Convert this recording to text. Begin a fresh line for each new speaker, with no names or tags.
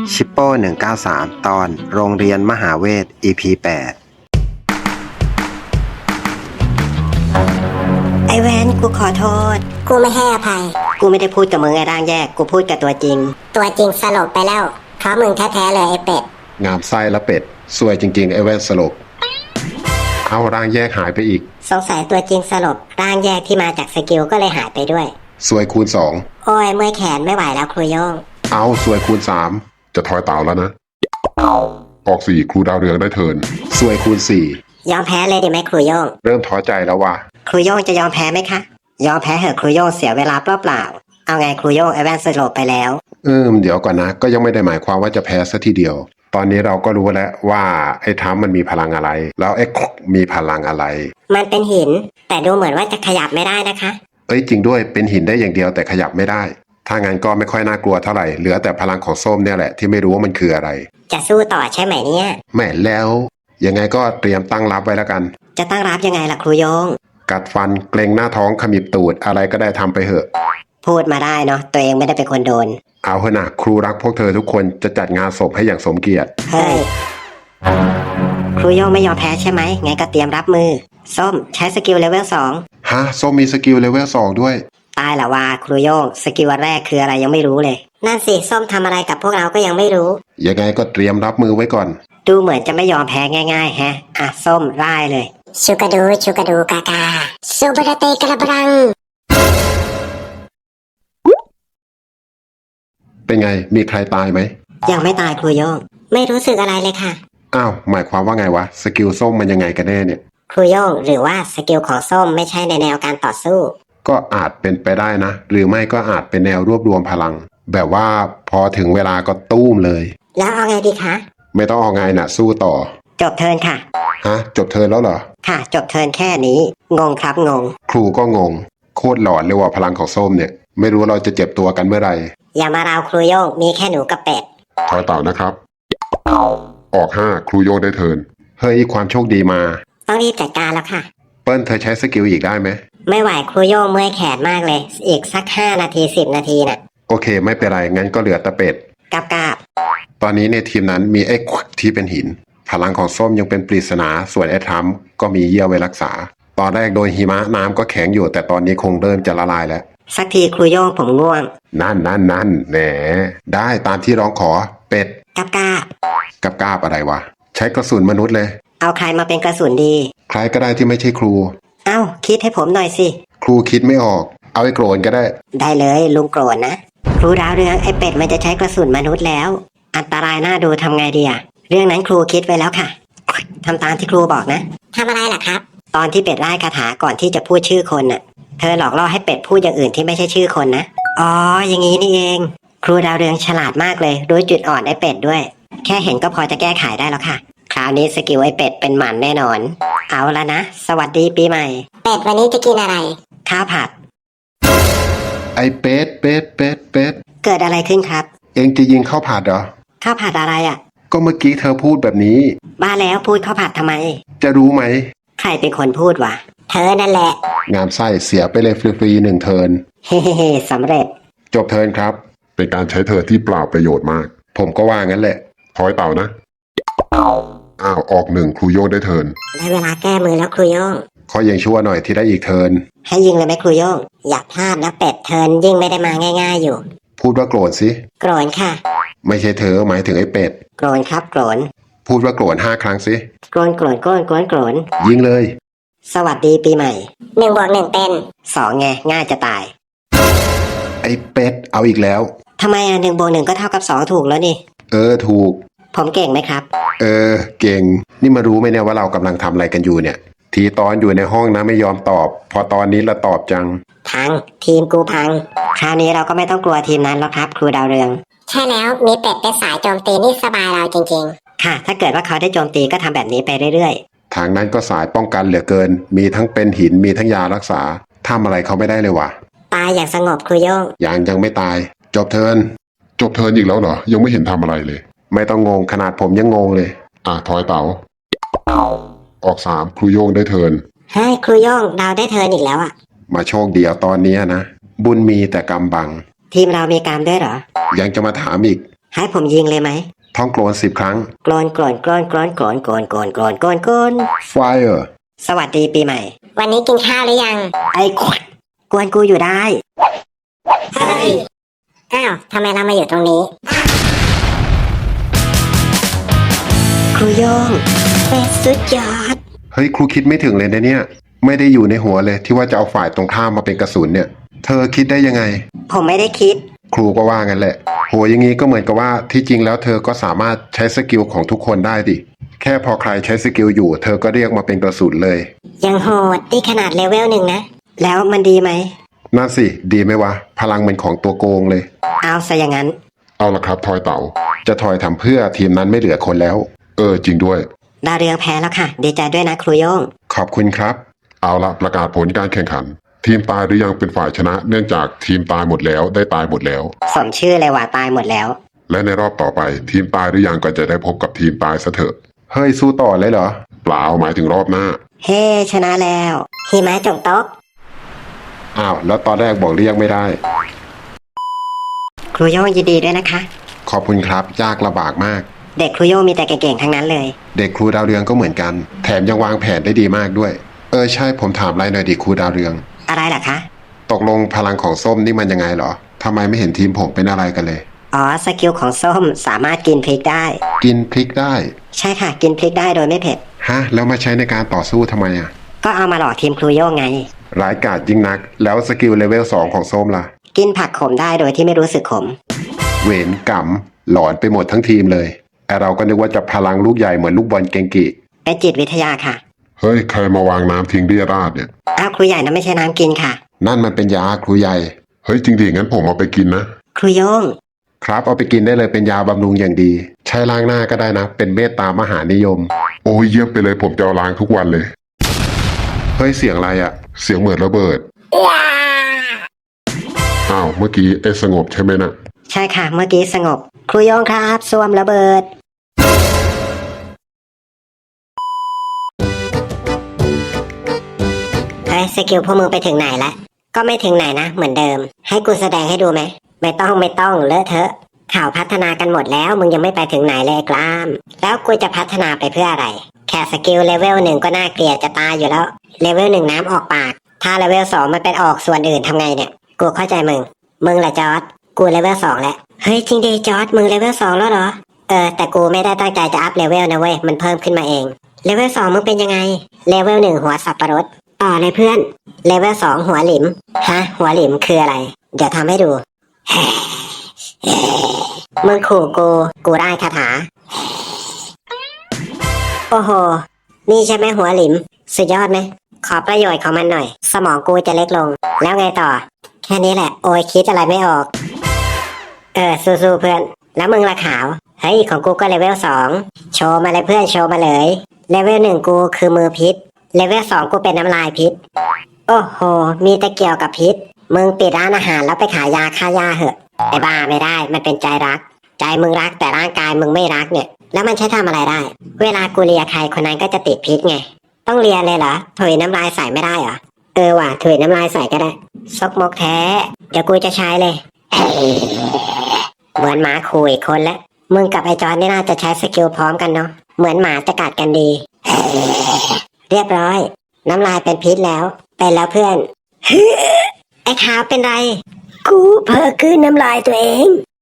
ชิปโป้193 ตอนโรงเรียนมหาเวท EP 8
ไอแวนกูขอโทษกูไม่ให้อภัยกูไม่ได้พูดกับมึงไอ้ร่างแยกกูพูดกับตัวจริงสลบไปแล้วเพราะมึงแท้ๆเลยไอเป็ด
งามไส้และเป็ดซวยจริงๆไอ้แว่นสลบเอาร่างแยกหายไปอีก
สงสัยตัวจริงสลบร่างแยกที่มาจากสกิลก็เลยหายไปด้วย
ซวยคูณ
โอ้ยเมื่อยแขนไม่ไหวแล้วครูโย่ง
เอาซวยคูณ3จะทอยเต่าแล้วนะออก4ครูดาวเรืองได้เทิร์นซวยคูณ
ยอมแพ้เลยดิไหมครูโย่ง
4เริ่มท้อใจแล้วว่ะ
ครูโย่งจะยอมแพ้ไหมคะยอมแพ้เหอะครูโย่งเสียเวลาเปล่าๆเอาไงครูโย่งไอแวนสลบไปแล้ว
เดี๋ยวก่อนนะก็ยังไม่ได้หมายความว่าจะแพ้ซะทีเดียวตอนนี้เราก็รู้แล้วว่าไอ้ทัมมันมีพลังอะไรแล้วไอ้มีพลังอะไร
มันเป็นหินแต่ดูเหมือนว่าจะขยับไม่ได้นะคะ
จริงด้วยเป็นหินได้อย่างเดียวแต่ขยับไม่ได้ถ้างั้นก็ไม่ค่อยน่ากลัวเท่าไหร่เหลือแต่พลังของส้มเนี่ยแหละที่ไม่รู้ว่ามันคืออะไร
จะสู้ต่อใช่ไหมเนี่ย
แม่แล้วยังไงก็เตรียมตั้งรับไว้แล้วกัน
จะตั้งรับยังไงล่ะครูโยง
กัดฟันเกรงหน้าท้องขมิบตูดอะไรก็ได้ทำไปเถอะ
พูดมาได้เนาะตัวเองไม่ได้เป็นคนโดน
เอาเถอะนะครูรักพวกเธอทุกคนจะจัดงานศพให้อย่างสมเกียรติ
เฮ้ยครูโยงไม่ยอมแพ้ใช่ไหมไงก็เตรียมรับมือส้มใช้สกิลเลเวล2
ฮะส้มมีสกิลเลเวล2ด้วย
ตายละว่าครูโยงสกิลแรกคืออะไรยังไม่รู้เลยนั่นสิส้มทำอะไรกับพวกเราก็ยังไม่รู้
ยังไงก็เตรียมรับมือไว้ก่อน
ดูเหมือนจะไม่ยอมแพ้ง่ายๆแฮะส้มร่ายเลยชูกาดูกากาซูบราเตกระบรัง
เป็นไงมีใครตายไหม
ยังไม่ตายครูโยงไม่รู้สึกอะไรเลยค่ะ
อ้าวหมายความว่าไงวะสกิลส้มมันยังไงกันแน่เนี่ย
ครูโยงหรือว่าสกิลของส้มไม่ใช่ในแนวการต่อสู้
ก็อาจเป็นไปได้นะหรือไม่ก็อาจเป็นแนวรวบรวมพลังแบบว่าพอถึงเวลาก็ตู้มเลย
แล้วเอาไงดีคะ
ไม่ต้องเอาไงนะสู้ต่อ
จบเทิร์นค่ะ
ฮะจบเทิร์นแล้วเหรอ
ค่ะจบเทิร์นแค่นี้งงครับงง
ครูก็งงโคตรหลอนเลยว่าพลังของส้มเนี่ยไม่รู้เราจะเจ็บตัวกันเมื่อไหร่
อย่ามาราวครูโยงมีแค่หนูกับเป็ด
ถอยเต่านะครับออก5ครูโยงได้เทิร์นเฮ้ยความโชคดีมา
ต้องรีบจัดการแล้วค่ะ
เปิ้ลเธอใช้สกิลอีกได้ไหม
ไม่ไหวครูโยงเมื่อยแขนมากเลยอีกสัก5 นาที10 นาทีน่ะ
โอเคไม่เป็นไรงั้นก็เหลือแต่เป็ด
กาบ
ตอนนี้ในทีมนั้นมีไอ้ที่เป็นหินพลังของส้มยังเป็นปริศนาส่วนไอ้ทัมก็มีเยี่ยวไว้รักษาตอนแรกโดนหิมะน้ำก็แข็งอยู่แต่ตอนนี้คงเริ่มจะละลายแล้ว
สักทีครูโยงผมง่วง
นั่นแหมได้ตามที่ร้องขอเป็ด
กับ
กาบอะไรวะใช้กระสุนมนุษย์เลย
เอาใครมาเป็นกระสุนดี
ใครก็ได้ที่ไม่ใช่ครู
คิดให้ผมหน่อยสิ
ครูคิดไม่ออกเอาไอ้โกรนก็ได้
เลยลุงโกรนนะครูดาวเรืองไอ้เป็ดมันจะใช้กระสุนมนุษย์แล้วอันตรายน่าดูทำไงดีอะเรื่องนั้นครูคิดไว้แล้วค่ะทำตามที่ครูบอกนะทำอะไรล่ะครับตอนที่เป็ดไล่คาถาก่อนที่จะพูดชื่อคนน่ะเธอหลอกล่อให้เป็ดพูดอย่างอื่นที่ไม่ใช่ชื่อคนนะอ๋ออย่างนี้นี่เองครูดาวเรืองฉลาดมากเลยรู้จุดอ่อนไอ้เป็ดด้วยแค่เห็นก็พอจะแก้ไขได้แล้วค่ะคราวนี้สกิลไอ้เป็ดเป็นหมันแน่นอนเอาละนะสวัสดีปีใหม่เป็ดวันนี้จะกินอะไรข้าวผัด
ไอ้เป็ดเ
กิดอะไรขึ้นครับ
เองจะยิงข้าวผัดเหรอ
ข้าวผัดอะไรอ่ะ
ก็เมื่อกี้เธอพูดแบบนี้
บ้าแล้วพูดข้าวผัดทำไม
จะรู้ไหม
ใครเป็นคนพูดวะเธอนั่นแหละ
งามไส้เสียไปเลยฟรีๆ1 เทิร์น
เฮ้สำเร็จ
จบเทิร์นครับเป็นการใช้เทิร์นที่เปล่าประโยชน์มากผมก็ว่างั้นแหละทอยเต่านะออก1ครูโยงได้เทิร์น
ได้เวลาแก้มือแล้วครูโยง
ขอยังชั่วหน่อยที่ได้อีกเทิร์น
ให้ยิงเลยไหมครูโยงอย่าพลาดนะเป็ดเทิร์นยิงไม่ได้มาง่ายๆอยู่
พูดว่าโกรธสิ
โกรธค่ะ
ไม่ใช่เธอหมายถึงไอ้เป็ด
โกรธครับโกรธ
พูดว่าโกรธ5 ครั้งสิ
โกรธ
ยิงเลย
สวัสดีปีใหม่1+1เป็น2ไงง่ายจะตาย
ไอ้เป็ดเอาอีกแล้ว
ทำไม1+1ก็เท่ากับ2ถูกแล้วนี่
ถูก
ผมเก่งไหมครับ
เก่งนี่มารู้ไหมเนี่ยว่าเรากำลังทำอะไรกันอยู่เนี่ยทีตอนอยู่ในห้องนะไม่ยอมตอบพอตอนนี้ละตอบจัง
พังทีมกูพังคราวนี้เราก็ไม่ต้องกลัวทีมนั้นแล้วครับครูดาวเรืองใช่แล้วมีเป็ดเป็นสายโจมตีนี่สบายเราจริงๆค่ะถ้าเกิดว่าเขาได้โจมตีก็ทำแบบนี้ไปเรื่อย
ๆทางนั้นก็สายป้องกันเหลือเกินมีทั้งเป็นหินมีทั้งยารักษาทำอะไรเขาไม่ได้เลยว่ะ
ตายอย่างสงบครูโยง
ยังไม่ตายจบเทิร์นอีกแล้วเหรอยังไม่เห็นทำอะไรเลยไม่ต้องงงขนาดผมยังงงเลยทอยเต๋าออก3ครูโยงได้เทิร์น
เฮ้ยครูโยงดาวได้เทิร์นอีกแล้วอ่ะ
มาโชคดีเอาตอนนี้นะบุญมีแต่กรรมบัง
ทีมเรามีกรรมด้วยเหรอ
ยังจะมาถามอีก
ให้ผมยิงเลยไหม
ท่องโกรน10 ครั้ง
กรอนกรอนกรอนกรอนกรอนกรอนกรอนกรอนกรอนกรอน
Fire
สวัสดีปีใหม่
วันนี้กินข้าวหรือยัง
ไอ้ขวดกวนกูอยู่ได้
อ้าวทำไมเรามาอยู่ตรงนี้
ครูโยงเป็นสุดยอด
เฮ้ยครูคิดไม่ถึงเลยนะเนี่ย ไม่ได้อยู่ในหัวเลยที่ว่าจะเอาฝ่ายตรงข้ามมาเป็นกระสุนเนี่ย เธอคิดได้ยังไง
ผมไม่ได้คิด
ครูก็ว่างั้นแหละโหอย่างนี้ก็เหมือนกับว่าที่จริงแล้วเธอก็สามารถใช้สกิลของทุกคนได้ดิแค่พอใครใช้สกิลอยู่ เธอก็เรียกมาเป็นกระสุนเลย
ยังโหดนี่ขนาดเลเวล 1นะ
แล้วมันดีไหม
นั่นสิดีไหมวะพลังเป็นของตัวโกงเลย
เอาซะอย่างนั้น
เอาละครับทอยเต่าจะทอยทำเพื่อทีมนั้นไม่เหลือคนแล้ว จริงด้วย
ดาวเรืองแพ้แล้วค่ะ ดีใจด้วยนะครูโยง
ขอบคุณครับ เอาละประกาศผลการแข่งขัน ทีมตายหรือยังเป็นฝ่ายชนะ เนื่องจากทีมตายหมดแล้วได้ตายหมดแล้ว
สมชื่อเลยว่าตายหมดแล้ว
และในรอบต่อไป ทีมตายหรือยังก็จะได้พบกับทีมตายซะเถอะเฮ้ยสู้ต่อเลยเหรอเปล่าหมายถึงรอบหน้า
เฮ้ชนะแล้ว
หิมะจงโต๊ะ
อ้าวแล้วตอนแรกบอกเรียกไม่ได้
ครูโยงยินดีด้วยนะคะ
ขอบคุณครับยากลำบากมาก
เด็กครูโยงมีแต่เก่งๆทั้งนั้นเลย
เด็กครูดาวเรืองก็เหมือนกัน แถมยังวางแผนได้ดีมากด้วย ใช่ผมถามอะไรหน่อยดิครูดาวเรือง
อะไรล่ะคะ
ตกลงพลังของส้มนี่มันยังไงเหรอทำไมไม่เห็นทีมผมเป็นอะไรกันเลย
อ๋อสกิลของส้มสามารถกินพริกได้
กินพริกได้
ใช่ค่ะ กินพริกได้โดยไม่เผ็ด
ฮะแล้วมาใช้ในการต่อสู้ทำไมอ่ะ
ก็เอามาหลอกทีมครูโยงไง
ร้ายกาจยิ่งนัก แล้วสกิลเลเวล2ของส้มล่ะ
กินผักขมได้โดยที่ไม่รู้สึกขม
เวรกรรมหลอนไปหมดทั้งทีมเลยไอเราก็นึกว่าจะพลังลูกใหญ่เหมือนลูกบอลเกงกิ
เป็นจิตวิทยาค่ะ
เฮ้ยใครมาวางน้ำทิ้งเรียราดเนี่ย
อ้าวครูใหญ่นะไม่ใช่น้ำกินค่ะ
นั่นมันเป็นยาครูใหญ่เฮ้ยจริงๆงั้นผมเอาไปกินนะ
ครูโยง
ครับเอาไปกินได้เลยเป็นยาบำรุงอย่างดี ใช้ล้างหน้าก็ได้นะ เป็นเมตตามหานิยม โอ้ยเยี่ยมไปเลยผมจะเอาล้างทุกวันเลย เฮ้ยเสียงอะไรอะเสียงเหมือนระเบิดอ้าวเมื่อกี้ไอ้สงบใช่ไหมนะ
ใช่ค่ะเมื่อกี้สงบ ครูโยงครับสวมระเบิด
เฮ้ยสกิลพวกมึงไปถึงไหนละก็ไม่ถึงไหนนะเหมือนเดิม ให้กูแสดงให้ดูไหมไม่ต้องเลอะเทอะข่าวพัฒนากันหมดแล้วมึงยังไม่ไปถึงไหนเลยกล้าม แล้วกูจะพัฒนาไปเพื่ออะไร แค่สกิลเลเวล 1ก็น่าเกลียดจะตายอยู่แล้วเลเวล 1น้ำออกปากถ้าเลเวล 2มันเป็นออกส่วนอื่นทำไงเนี่ยกูเข้าใจมึงแหละจอร์ดกูเลเวล 2แล้วเฮ้ยจริงดิจอร์ดมึงเลเวล 2แล้วเหรอแต่กูไม่ได้ตั้งใจจะอัพเลเวลนะเว้ยมันเพิ่มขึ้นมาเองเลเวล 2มึงเป็นยังไงเลเวล 1หัวสับปะรดต่อเลยเพื่อนเลเวล 2หัวหลิมฮะหัวหลิมคืออะไรเดี๋ยวทำให้ดู มึงขู่กูได้คาถาโอ้โหนี่ใช่ไหมหัวหลิมสุดยอดไหมขอประโยชน์ของมันหน่อย สมองกูจะเล็กลงแล้วไงต่อแค่นี้แหละโอ้ยคิดอะไรไม่ออกสู้ๆเพื่อนแล้วมึงละขาวเฮ้ยของกูก็เลเวล 2โชว์มาเลยเพื่อนโชว์มาเลยเลเวล 1กูคือมือพิษเลเวล 2กูเป็นน้ำลายพิษโอ้โหมีแต่เกี่ยวกับพิษมึงปิดร้านอาหารแล้วไปขายยาฆ่าหญ้าเหอะไอ้บ้าไม่ได้มันเป็นใจรักใจมึงรักแต่ร่างกายมึงไม่รักเนี่ยแล้วมันใช้ทำอะไรได้เวลากูเลียใครคนนั้นก็จะติดพิษไงต้องเลียเลยเหรอถุยน้ำลายใส่ไม่ได้เหรอว่ะถุยน้ำลายใส่ก็ได้ซกมกแท้เดี๋ยวกูจะใช้เลย เหมือนหมาคุยคนละมึงกับไอ้จอนนี่น่าจะใช้สกิลพร้อมกันเนาะเหมือนหมาจะกัดกันดี เรียบร้อยน้ำลายเป็นพิษแล้วเป็นแล้วเพื่อน ไอ้ขาวเป็นไรกูเพ้อคืนน้ำลายตัวเอง